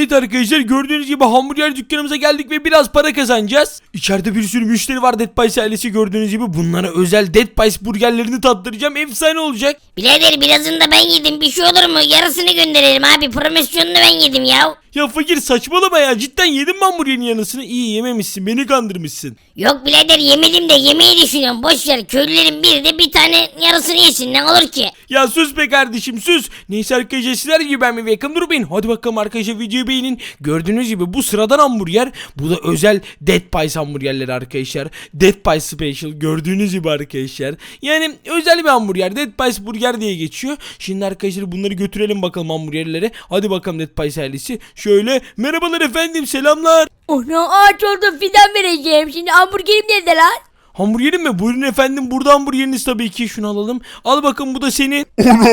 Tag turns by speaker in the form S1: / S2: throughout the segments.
S1: Evet arkadaşlar, gördüğünüz gibi hamburger dükkanımıza geldik ve biraz para kazanacağız. İçeride bir sürü müşteri var, Dead Pies ailesi, gördüğünüz gibi. Bunlara özel Dead Pies burgerlerini tattıracağım. Efsane olacak.
S2: Birader birazını da ben yedim, bir şey olur mu? Yarısını gönderelim abi, promosyonunu ben yedim ya.
S1: Ya fakir saçmalama ya, cidden yedin mi hamburgerin yanısını? İyi yememişsin, beni kandırmışsın.
S2: Yok birader yemedim de yemeyi düşünüyorum, boş ver, köylülerin biri de bir tane yarısını yesin, ne olur ki?
S1: Ya sus be kardeşim, sus. Neyse arkadaşlar, sizler gibi ben mi Welcome durmayın. Hadi bakalım arkadaşlar, videoyu beğenin. Gördüğünüz gibi bu sıradan hamburger, bu da özel Dead Pies hamburgerleri arkadaşlar. Dead Pies Special, gördüğünüz gibi arkadaşlar. Yani özel bir hamburger, Dead Pies burger diye geçiyor. Şimdi arkadaşlar bunları götürelim bakalım hamburgerlere. Hadi bakalım Dead Pies ailesi. Şöyle, merhabalar efendim, selamlar.
S3: Ona ağaç oldu, fidan vereceğim. Şimdi hamburgerim nerede lan?
S1: Hamburgerim mi? Buyurun efendim, burada hamburgeriniz tabii ki. Şunu alalım. Al bakın, bu da senin.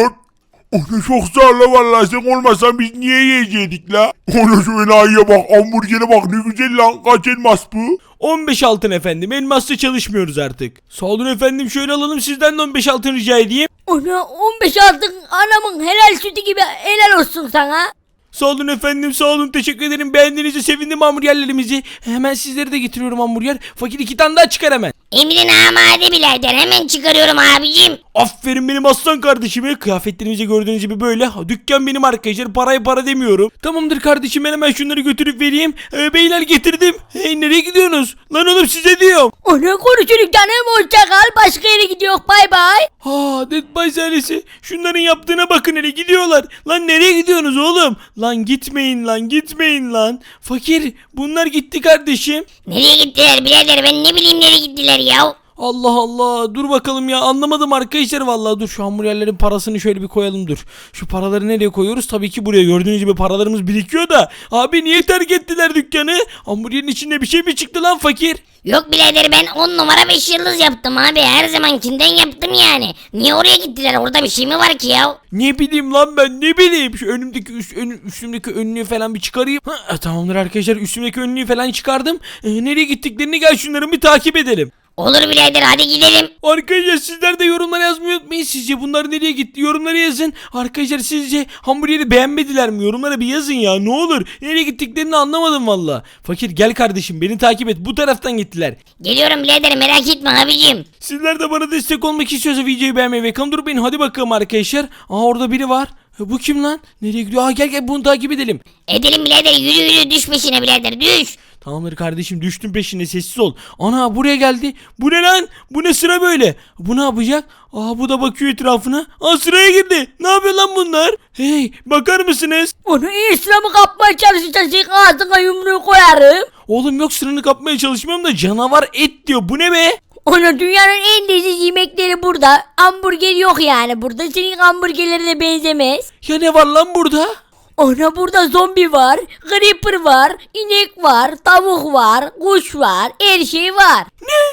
S4: Onu çok sağ ol vallahi, sen olmasan biz niye yiyecektik la? Onu şöyle ayıya bak, hamburgere bak, ne güzel lan, kaç elmas bu?
S1: 15 altın efendim. Elmasla çalışmıyoruz artık. Sağ olun efendim, şöyle alalım sizden de 15 altın rica edeyim.
S3: Ona 15 altın, anamın helal sütü gibi, helal olsun sana.
S1: Sağ olun efendim, sağ olun, teşekkür ederim. Beğendiğinizi sevindim hamburgerlerimizi. Hemen sizlere de getiriyorum hamburger. Fakir 2 tane daha çıkar hemen.
S2: Emrin amade birader, hemen çıkarıyorum abicim.
S1: Aferin benim aslan kardeşime. Kıyafetlerimizi gördüğünüz gibi böyle. Dükkan benim arkadaşlar, paraya para demiyorum. Tamamdır kardeşim, ben hemen şunları götürüp vereyim. Beyler getirdim. Hey, nereye gidiyorsunuz? Lan oğlum, size diyorum.
S3: Ona konuşuruz canım, hoşça kal, başka yere gidiyor, bay bay.
S1: Ha, Dead Pies ailesi. Şunların yaptığına bakın, hele gidiyorlar. Lan nereye gidiyorsunuz oğlum? Lan gitmeyin lan, gitmeyin lan. Fakir, bunlar gitti kardeşim.
S2: Nereye gittiler birader, ben ne bileyim nereye gittiler ya.
S1: Allah Allah, dur bakalım ya, anlamadım arkadaşlar vallahi. Dur, şu hamburgerlerin parasını şöyle bir koyalım, dur. Şu paraları nereye koyuyoruz? Tabii ki buraya. Gördüğünüz gibi paralarımız birikiyor da. Abi niye terk ettiler dükkanı? Hamburgerin içinde bir şey mi çıktı lan fakir?
S2: Yok birader, ben 10 numara 5 yıldız yaptım abi, her zamankinden yaptım yani. Niye oraya gittiler, orada bir şey mi var ki ya?
S1: Ne bileyim lan, ben ne bileyim. Şu önümdeki üstümdeki önlüğü falan bir çıkarayım. Tamamdır arkadaşlar, üstümdeki önlüğü falan çıkardım. Nereye gittiklerini, gel şunları bir takip edelim.
S2: Olur birader, hadi gidelim.
S1: Arkadaşlar sizler de yorumlara yazmayı unutmayın. Sizce bunlar nereye gitti? Yorumlara yazın. Arkadaşlar sizce hamburgeri beğenmediler mi? Yorumlara bir yazın ya, ne olur. Nereye gittiklerini anlamadım valla. Fakir gel kardeşim, beni takip et. Bu taraftan gittiler.
S2: Geliyorum birader, merak etme abicim.
S1: Sizler de bana destek olmak istiyorsa videoyu beğenmeyi ve kanal durmayın. Hadi bakalım arkadaşlar. Orada biri var. Bu kim lan? Nereye gidiyor? Gel bunu takip edelim.
S2: Edelim birader, yürü düş peşine birader, düş.
S1: Tamamdır kardeşim, düştüm peşine, sessiz ol. Ana, buraya geldi. Bu ne lan? Bu ne sıra böyle? Bu ne yapacak? Bu da bakıyor etrafına. Sıraya girdi. Ne yapıyor lan bunlar? Hey, bakar mısınız?
S3: Onu iyi sıramı kapmaya çalışırsan ağzına yumruğu koyarım.
S1: Oğlum yok, sıranı kapmaya çalışmıyorum da canavar et diyor. Bu ne be?
S3: Ona dünyanın en leziz yemekleri burada. Hamburger yok yani burada. Senin hamburgerlerine benzemez.
S1: Ya ne var lan burada?
S3: Ona burada zombi var, creeper var, inek var, tavuk var, kuş var, her şey var.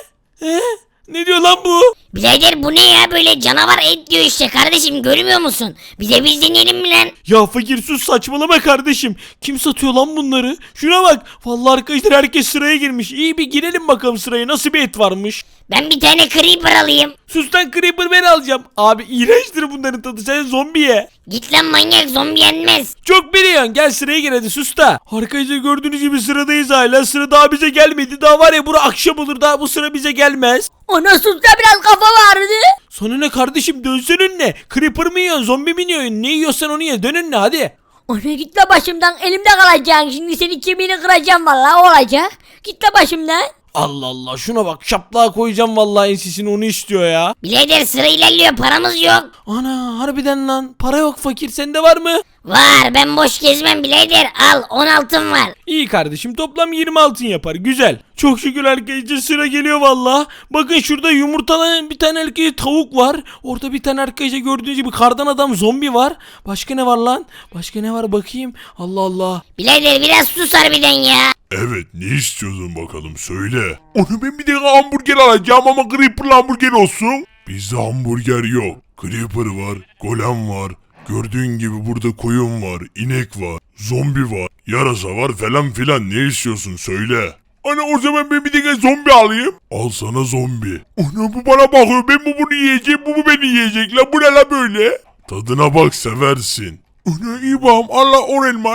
S1: Ne diyor lan bu?
S2: Birader bu ne ya, böyle canavar et diyor işte kardeşim, görmüyor musun? Bir de biz deneyelim mi lan?
S1: Ya fakir sus, saçmalama kardeşim. Kim satıyor lan bunları? Şuna bak. Vallahi arkadaşlar, herkes sıraya girmiş. İyi bir girelim bakalım sıraya, nasıl bir et varmış.
S2: Ben bir tane creeper alayım.
S1: Sus lan, creeper ben alacağım. Abi iğrençtir bunların tadı, sen zombi ye.
S2: Git lan manyak, zombi yenmez.
S1: Çok biliyorsun, gel sıraya gir hadi, sus da. Arkadaşlar gördüğünüz gibi sıradayız hala. Sıra daha bize gelmedi. Daha var ya, bura akşam olur, daha bu sıra bize gelmez.
S3: Ona sus da biraz kafa vardı.
S1: Sana ne kardeşim, dönsün önüne. Creeper mı yiyorsun, zombi mi yiyorsun? Ne yiyorsan onu ye, dön önüne hadi.
S3: Ona git la başımdan, elimde kalacaksın. Şimdi senin kemiğini kıracağım vallahi, olacak. Git la başımdan.
S1: Allah Allah, şuna bak, şaplığa koyacağım vallahi ensesini, onu istiyor ya.
S2: Birader sıra ilerliyor, paramız yok.
S1: Ana, harbiden lan, para yok fakir, sende var mı?
S2: Var, ben boş gezmem birader, al 10 altın var.
S1: İyi kardeşim, toplam 20 altın yapar, güzel. Çok şükür arkadaşlar, sıra geliyor valla. Bakın şurada yumurtalayan bir tane erkek tavuk var. Orada bir tane arkadaşlar gördüğünüz gibi kardan adam zombi var. Başka ne var lan? Başka ne var bakayım? Allah Allah.
S2: Birader biraz sus harbiden ya.
S4: Evet, ne istiyordun bakalım, söyle. Onu ben bir de hamburger alacağım ama Creeper'lı hamburger olsun. Bizde hamburger yok. Creeper var, golem var. Gördüğün gibi burada koyun var, inek var, zombi var, yarasa var falan filan, ne istiyorsun söyle. Ana o zaman ben bir de zombi alayım. Al sana zombi. Ana bu bana bakıyor, ben bunu yiyeceğim, bu beni yiyecek la, bu ne la böyle? Tadına bak, seversin. Ana iyi bağım, Allah 10 elmas.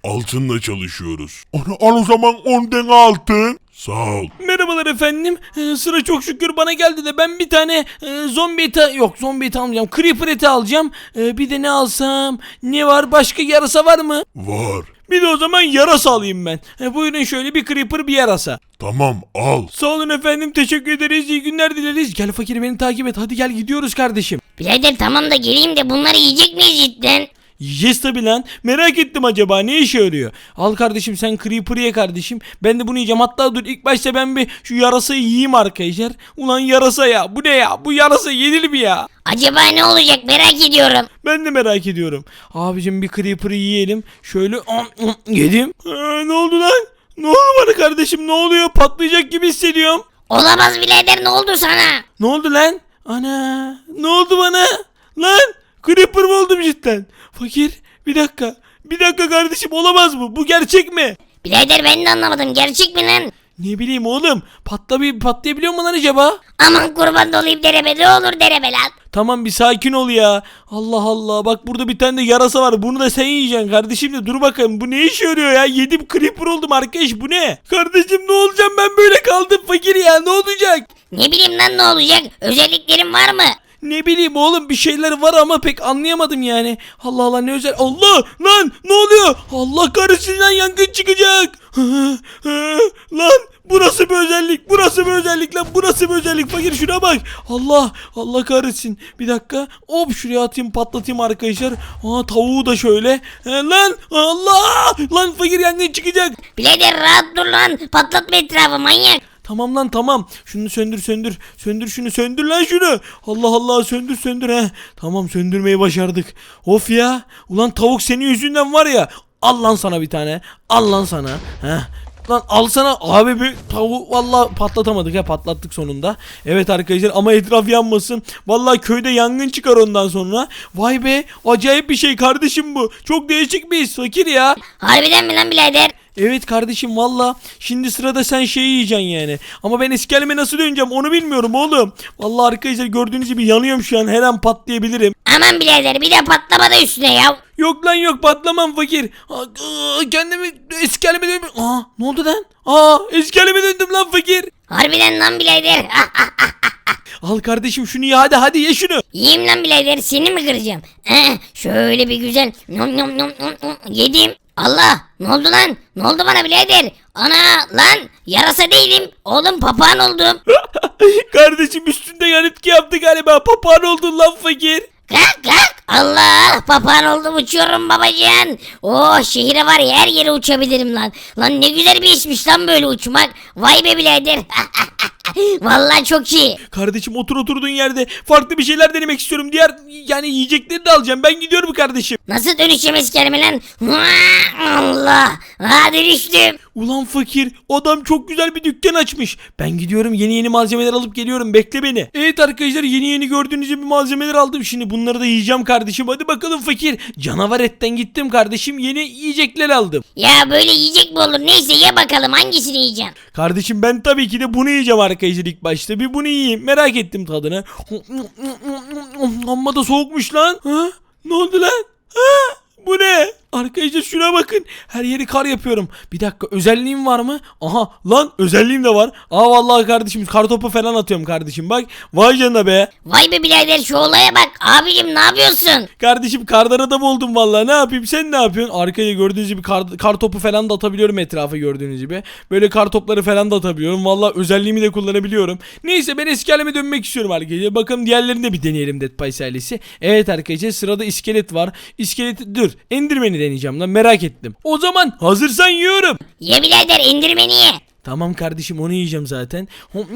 S4: Altınla çalışıyoruz. Onu al o zaman 10 tane altın. Sağ ol.
S1: Merhabalar efendim. Sıra çok şükür bana geldi de ben bir tane zombi eti yok zombi eti almayacağım. Creeper eti alacağım. Bir de ne alsam? Ne var? Başka yarasa var mı?
S4: Var.
S1: Bir de o zaman yarasa alayım ben. Buyurun şöyle bir creeper bir yarasa.
S4: Tamam al.
S1: Sağ olun efendim teşekkür ederiz iyi günler dileriz. Gel fakir beni takip et hadi gel gidiyoruz kardeşim.
S2: Birader tamam da geleyim de bunları yiyecek miyiz cidden?
S1: Yiyeceğiz tabi lan. Merak ettim acaba ne işe yarıyor. Al kardeşim sen Creeper'ı ye kardeşim. Ben de bunu yiyeceğim. Hatta dur ilk başta ben bir şu yarasayı yiyeyim arkadaşlar. Ulan yarasa ya. Bu ne ya? Bu yarasa yenir mi ya?
S2: Acaba ne olacak merak ediyorum.
S1: Ben de merak ediyorum. Abicim bir Creeper'ı yiyelim. Şöyle yedim. Ne oldu lan? Ne oldu bana kardeşim? Ne oluyor? Patlayacak gibi hissediyorum.
S2: Olamaz birader ne oldu sana?
S1: Ne oldu lan? Ana. Ne oldu bana? Lan. Creeper mı oldum cidden? Fakir. Bir dakika. Bir dakika kardeşim olamaz bu. Bu gerçek mi?
S2: Birader ben de anlamadım gerçek mi lan?
S1: Ne bileyim oğlum. Patlayabiliyor mu lan acaba?
S2: Aman kurban olayım derebe ne olur derebe lan.
S1: Tamam bir sakin ol ya. Allah Allah. Bak burada bir tane de yarasa var. Bunu da sen yiyeceksin kardeşim de dur bakayım. Bu ne işe yarıyor ya? Yedim creeper oldum arkadaş. Bu ne? Kardeşim ne olacağım ben böyle kaldım fakir ya. Ne olacak?
S2: Ne bileyim lan ne olacak? Özelliklerin var mı?
S1: Ne bileyim oğlum bir şeyler var ama pek anlayamadım yani. Allah Allah ne özel. Allah lan ne oluyor? Allah kahretsin lan yangın çıkacak. Lan bu nasıl bir özellik? Bu nasıl bir özellik lan? Bu nasıl bir özellik? Fakir şuna bak. Allah kahretsin. Bir dakika. Hop şuraya atayım patlatayım arkadaşlar. Tavuğu da şöyle. Lan Allah! Lan fakir yangın çıkacak.
S2: Birader rahat dur lan patlatma etrafı manyak.
S1: Tamam lan tamam. Şunu söndür. Söndür şunu söndür lan şunu. Allah Allah söndür he. Tamam söndürmeyi başardık. Of ya. Ulan tavuk senin yüzünden var ya. Al lan sana bir tane. Al lan sana. Heh. Lan alsana abi bir tavuğu vallahi patlatamadık ya patlattık sonunda. Evet arkadaşlar ama etraf yanmasın. Vallahi köyde yangın çıkar ondan sonra. Vay be acayip bir şey kardeşim bu. Çok değişik bir his fakir ya.
S2: Harbiden mi lan birader?
S1: Evet kardeşim valla şimdi sırada sen şeyi yiyeceksin yani. Ama ben eski halime nasıl döneceğim onu bilmiyorum oğlum. Valla arkadaşlar gördüğünüz gibi yanıyorum şu an her an patlayabilirim.
S2: Aman birader bir de patlama da üstüne ya.
S1: Yok lan yok patlamam fakir. Kendimi eski halime dönüyorum. Ne oldu lan? Eski halime döndüm lan fakir.
S2: Harbiden lan birader.
S1: Al kardeşim şunu ye hadi ye şunu.
S2: Yiyeyim lan birader seni mi kıracağım? Şöyle bir güzel nom nom nom nom nom. Yedim. Allah ne oldu lan? Ne oldu bana birader? Ana lan yarasa değilim. Oğlum papağan oldum.
S1: Kardeşim üstünde yan etki yaptı galiba. Papağan oldun lan fakir.
S2: Kalk. Allah papağan oldum uçuyorum babacan. Oh şehire var ya her yere uçabilirim lan. Lan ne güzel bir işmiş lan böyle uçmak. Vay be birader. Vallahi çok iyi.
S1: Kardeşim oturduğun yerde farklı bir şeyler denemek istiyorum. Diğer yani yiyecekleri de alacağım. Ben gidiyorum kardeşim.
S2: Nasıl dönüşeceğim kelime lan? Allah. Dönüştüm.
S1: Ulan fakir adam çok güzel bir dükkan açmış. Ben gidiyorum yeni malzemeler alıp geliyorum bekle beni. Evet arkadaşlar yeni gördüğünüz gibi malzemeler aldım. Şimdi bunları da yiyeceğim kardeşim. Hadi bakalım fakir. Canavar etten gittim kardeşim yeni yiyecekler aldım.
S2: Ya böyle yiyecek mi olur? Neyse ye bakalım hangisini yiyeceksin?
S1: Kardeşim ben tabii ki de bunu yiyeceğim arkadaşlar ilk başta. Bir bunu yiyeyim merak ettim tadını. Amma da soğukmuş lan. Ne oldu lan? Bu ne? Arkadaşlar şuna bakın. Her yeri kar yapıyorum. Bir dakika özelliğim var mı? Aha lan özelliğim de var. Vallahi kardeşim kar topu falan atıyorum kardeşim bak. Vay canına be.
S2: Vay be birader şu olaya bak. Abicim ne yapıyorsun?
S1: Kardeşim kardan adam oldum vallahi. Ne yapayım sen ne yapıyorsun? Arkaya gördüğünüz gibi kar topu falan da atabiliyorum etrafa gördüğünüz gibi. Böyle kar topları falan da atabiliyorum. Vallahi özelliğimi de kullanabiliyorum. Neyse ben eski halime dönmek istiyorum arkadaşlar. Bakalım diğerlerini de bir deneyelim Dead Pies ailesi. Evet arkadaşlar sırada iskelet var. İskeleti dur. Enderman'i deneyeceğim lan merak ettim. O zaman hazırsan yiyorum.
S2: Ye birader indirmeni ye.
S1: Tamam kardeşim onu yiyeceğim zaten.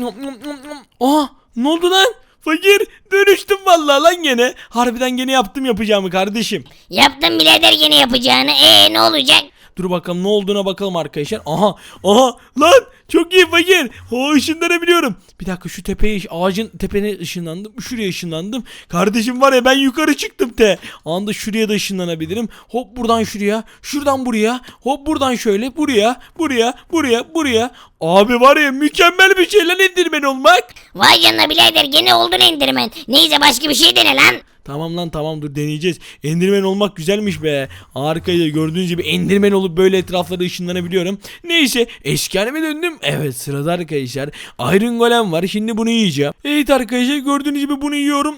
S1: Ne oldu lan? Fakir dönüştüm vallahi lan gene. Harbiden gene yapacağımı kardeşim.
S2: Yaptın birader yine yapacağını. Ne olacak?
S1: Dur bakalım ne olduğuna bakalım arkadaşlar. Aha lan çok iyi fakir. Işınlanabiliyorum. Bir dakika şu tepeye ağacın tepene ışınlandım. Şuraya ışınlandım. Kardeşim var ya ben yukarı çıktım Anda şuraya da ışınlanabilirim. Hop buradan şuraya. Şuradan buraya. Hop buradan şöyle. Buraya. Abi var ya mükemmel bir şey lan Enderman olmak.
S2: Vay canına birader gene oldun indirmen. Neyse başka bir şey dene lan.
S1: Tamam lan tamam dur deneyeceğiz. Enderman olmak güzelmiş be. Arkadaşlar gördüğünüz gibi Enderman olup böyle etrafları ışınlanabiliyorum. Neyse eski halime döndüm. Evet sırada arkadaşlar Iron Golem var. Şimdi bunu yiyeceğim. Evet arkadaşlar gördüğünüz gibi bunu yiyorum.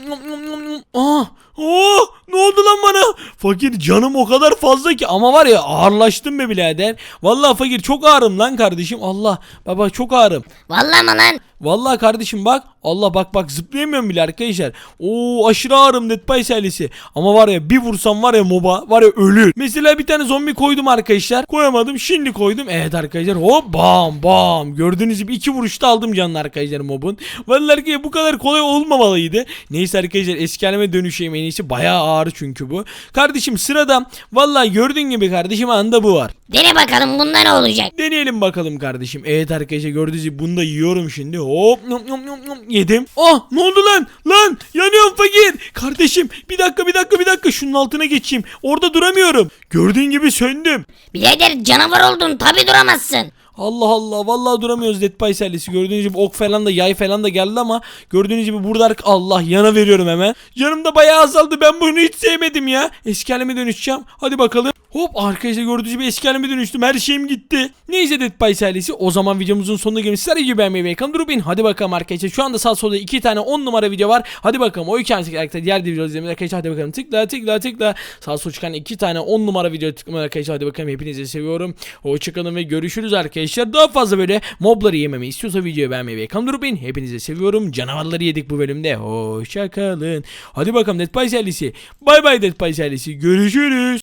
S1: Oh, ne oldu lan bana? Fakir canım o kadar fazla ki ama var ya ağırlaştım be birader. Vallahi fakir çok ağırım lan kardeşim. Allah baba çok ağırım.
S2: Vallahi mı lan?
S1: Vallahi kardeşim bak. Allah bak zıplayamıyorum bile arkadaşlar. Oo aşırı ağırım Dead by Silence'i. Ama var ya bir vursam var ya moba var ya ölür. Mesela bir tane zombi koydum arkadaşlar. Koyamadım şimdi koydum. Evet arkadaşlar hop bam. Gördüğünüz gibi 2 vuruşta aldım canını arkadaşlar mobun. Vallahi arkadaşlar bu kadar kolay olmamalıydı. Neyse arkadaşlar eski halime dönüşeyim en iyisi. Bayağı ağır çünkü bu. Kardeşim sırada vallahi gördüğün gibi kardeşim anda bu var.
S2: Dene bakalım bunda ne olacak?
S1: Deneyelim bakalım kardeşim. Evet arkadaşlar gördüğünüz gibi bunu da yiyorum şimdi. Hop yedim. Ah ne oldu lan? Lan yanıyorum fakir. Kardeşim bir dakika şunun altına geçeyim. Orada duramıyorum. Gördüğün gibi söndüm.
S2: Birader canavar oldun tabi duramazsın.
S1: Allah vallahi duramıyoruz Dead by Silence'i. Gördüğünüz gibi ok falan da yay falan da geldi ama gördüğünüz gibi burada Allah yana veriyorum hemen. Canım da bayağı azaldı. Ben bunu hiç sevmedim ya. Eski halime dönüşeceğim. Hadi bakalım. Hop arkadaşlar gördüğünüz gibi eski halime dönüştüm. Her şeyim gitti. Neyse Dead by Silence'i. O zaman videomuzun sonuna gelmiş. Sizler gibi beğenmeyi ve ekranı durmayın. Hadi bakalım arkadaşlar. Şu anda sağ solda 2 tane 10 numara video var. Hadi bakalım. O iki arkadaşlar diğer videoları izlemeyi arkadaşlar. Hadi bakalım. Tıkla. Sağ sol çıkan 2 tane 10 numara video tıklamayı arkadaşlar. Hadi bakalım. Hepinizi seviyorum. Hoşçakalın ve görüşürüz arkadaşlar. Daha fazla böyle mobları yememi istiyorsa videoyu beğenmeyi ve ekranı durmayın. Hepinizi seviyorum. Canavarları yedik bu bölümde. Hoşçakalın. Hadi bakalım Dead by Silence'i. Bay bay Dead by Silence'i. Görüşürüz.